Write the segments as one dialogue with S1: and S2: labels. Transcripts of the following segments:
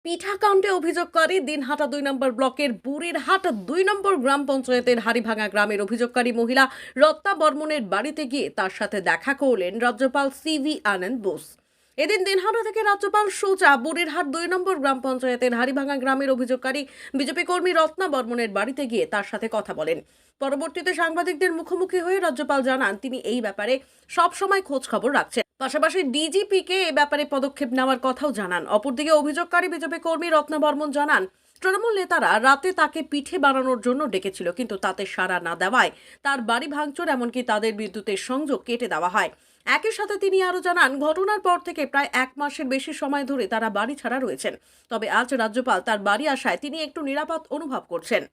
S1: পিঠাকাণ্ডে অভিযোগকারী দিনহাটা ২ নম্বর ব্লকের বুড়িরহাট ২ নম্বর গ্রাম পঞ্চায়েতের হাড়িভাঙা গ্রামের অভিযোগকারী মহিলা রত্না বর্মনের বাড়িতে গিয়ে তার সাথে দেখা করলেন রাজ্যপাল সিভি আনন্দ বোস। এদিন দিনহাটা থেকে রাজ্যপাল সোজা বুড়িরহাট ২ নম্বর গ্রাম পঞ্চায়েতের হাড়িভাঙা গ্রামের অভিযোগকারী বিজেপি কর্মী রত্না বর্মনের বাড়িতে গিয়ে তার সাথে কথা বলেন। পরবর্তীতে সাংবাদিকদের মুখোমুখি হয়ে রাজ্যপাল জানান তিনি এই ব্যাপারে সবসময় খোঁজ খবর রাখছেন, পাশাপাশি ডিজিপিকে এ ব্যাপারে পদক্ষেপ নেওয়ার কথাও জানান। অপরদিকে অভিযোগকারী বিজেপি কর্মী রত্না বর্মন জানান তৃণমূল নেতারা রাতে তাকে পিঠে বানানোর জন্য ডেকেছিল, কিন্তু তাতে সাড়া না দেওয়ায় তার বাড়ি ভাঙচুর, এমনকি তাদের বিদ্যুতের সংযোগ কেটে দেওয়া হয়। একই সাথে তিনি আরো জানান ঘটনার পর থেকে প্রায় 1 মাসের বেশি সময় ধরে তারা বাড়ি ছাড়া রয়েছেন। তবে আজ রাজ্যপাল তার বাড়ি আসায় তিনি একটু নিরাপদ অনুভব করছেন।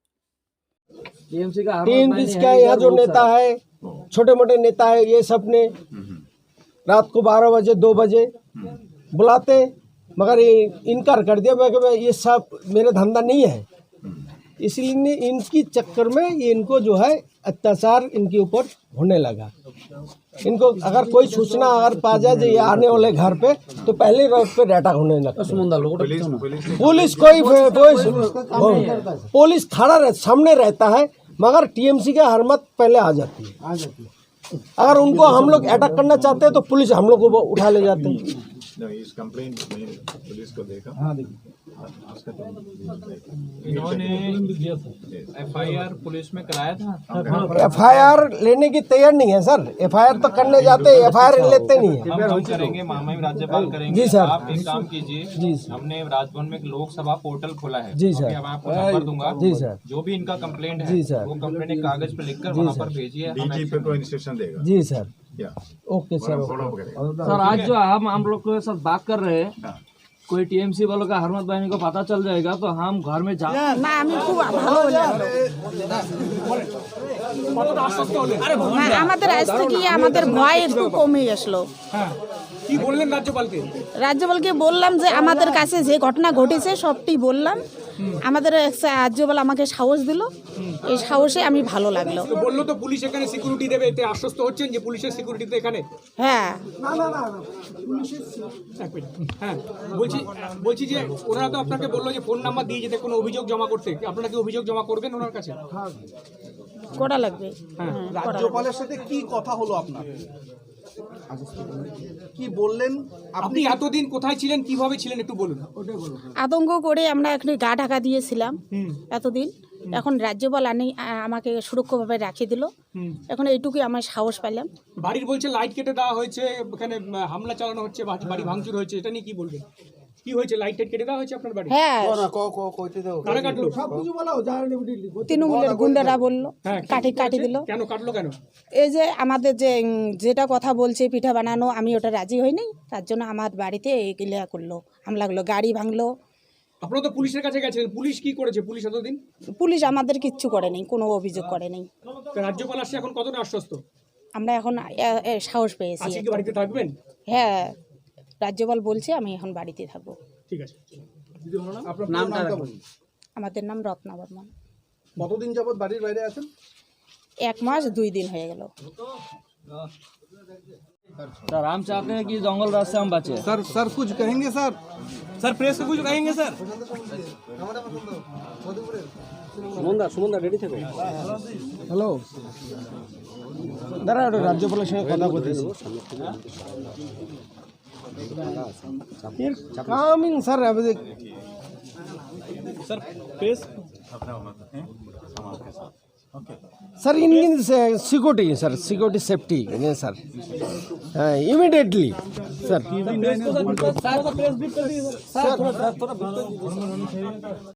S2: टीएमसी का यहाँ जो नेता है, छोटे मोटे नेता है, ये सब ने रात को 12 बजे 2 बजे बुलाते, मगर ये इनकार कर दिया। मैं कि ये सब मेरा धंधा नहीं है, इसलिए इनकी चक्कर में ये इनको जो है अत्याचार इनके ऊपर होने लगा। इनको अगर कोई सूचना अगर पा जाए ये आने वाले घर पे, तो पहले रोड पे अटैक होने लगता। पुलिस पुलिस खड़ा सामने रहता है, मगर टीएमसी का हरमत पहले आ जाती है। अगर उनको हम लोग अटैक करना चाहते हैं तो पुलिस हम लोग को उठा ले जाते हैं।
S3: इस कंप्लेंट में पुलिस को देखा।
S4: इन्होंने एफआईआर पुलिस में कराया था।
S2: एफआईआर लेने की तैयार नहीं है सर। एफआईआर तो करने जाते हैं, एफआईआर लेते नहीं है।
S4: हम करेंगे, माननीय राज्यपाल करेंगे।
S2: जी सर।
S4: आप एक काम कीजिए,
S2: जी
S4: हमने राजभवन में एक लोकसभा पोर्टल खोला है।
S2: जी सर।
S4: मैं आपको नंबर दूंगा।
S2: जी सर।
S4: जो भी इनका कंप्लेंट है
S2: जी सर।
S4: वो कंप्लेंट एक कागज पे लिखकर वहाँ पर भेजिए।
S3: डीजीपी को इंस्ट्रक्शन देगा।
S2: जी सर।
S3: या
S2: ओके सर।
S3: फॉलो अप करेगा।
S5: सर आज जो हम लोग के साथ बात कर रहे हैं, कोई टीएमसी वालों का हरमत बहनी को पता चल जाएगा तो हम घर में जा
S6: না আমি খুব ভালো হলাম। আমাদের আজ থেকে আমাদের ভয় একটু কমে আসলো।
S7: কি বললেন রাজ্যপালকে?
S6: রাজ্যপালকে বললাম যে আমাদের কাছে যে ঘটনা ঘটেছে সবটি বললাম। আমাদের রাজ্যপাল আমাকে সাহস দিল, এই সাহসে আমি ভালো লাগলো।
S7: তো বললো তো পুলিশ এখানে সিকিউরিটি দেবে, এতে আশ্বস্ত হচ্ছেন যে পুলিশের সিকিউরিটি তো এখানে?
S6: হ্যাঁ
S7: হ্যাঁ, বলছি যে ওনারা তো আপনাকে বললো যে ফোন নাম্বার দিয়ে যেতে কোনো অভিযোগ জমা করতে। আপনারা কি অভিযোগ জমা করবেন ওনার কাছে?
S6: করা লাগবে।
S8: রাজ্যপালের সাথে কি কথা হলো আপনার? কি বললেন?
S7: আপনি এতদিন কোথায় ছিলেন, কিভাবে ছিলেন একটু বলুন।
S6: আতঙ্ক করে আমরা এখানে গা ঢাকা দিয়েছিলাম এতদিন। এখন রাজ্যপাল আমাকে সুরক্ষাভাবে রাখিয়ে দিল। এখন এইটুকুই আমার সাহস পেলাম।
S7: বাড়ির বলছে লাইট কেটে দেওয়া হয়েছে, এখানে হামলা চালানো হচ্ছে, বাড়ি ভাঙচুর হয়েছে, এটা নিয়ে কি বলবেন? কি হয়েছে? লাইট টাইট কেটে দেওয়া হয়েছে আপনার বাড়ি?
S6: হ্যাঁ,
S7: কারা কাটলো?
S6: তৃণমূলের গুন্ডারা বললো, কাটি দিল।
S7: কেন কাটলো কেন?
S6: এই যে আমাদের যেটা কথা বলছে পিঠা বানানো, আমি ওটা রাজি হইনি, তার জন্য আমার বাড়িতে এগুলা করলো, হামলা করলো, গাড়ি ভাঙলো।
S7: আপনারা তো পুলিশের কাছে গেছেন, পুলিশ কি করেছে? পুলিশ এতদিন
S6: পুলিশ আমাদের কিচ্ছু করে নাই, কোনো অভিযোগ করে নাই।
S7: রাজ্যপাল আসছে, এখন কতটা আশ্বস্ত?
S6: আমরা এখন সাহস পেয়েছি।
S7: আজকে কি বাড়িতে থাকবেন?
S6: হ্যাঁ, রাজ্যপাল বলছে আমি এখন বাড়িতে থাকবো।
S7: ঠিক আছে।
S6: আমাদের নাম রত্না বর্মন।
S8: কতদিন যাবত বাড়ির বাইরে আছেন?
S6: 1 মাস 2 দিন হয়ে গেল।
S5: सर हम चाहते हैं कि जंगल राज से हम बचे।
S8: सर कुछ कहेंगे सर?
S7: सर प्रेस को कुछ कहेंगे सर?
S2: সুমনদা রেডি থাকে। হ্যালো দাঁড়া, রাজ্যপালের সঙ্গে কথা বলতেছি। Coming sir.
S7: Sir press
S2: sir इनकी security sir, security safety sir, हाँ इमीडिएटली सर।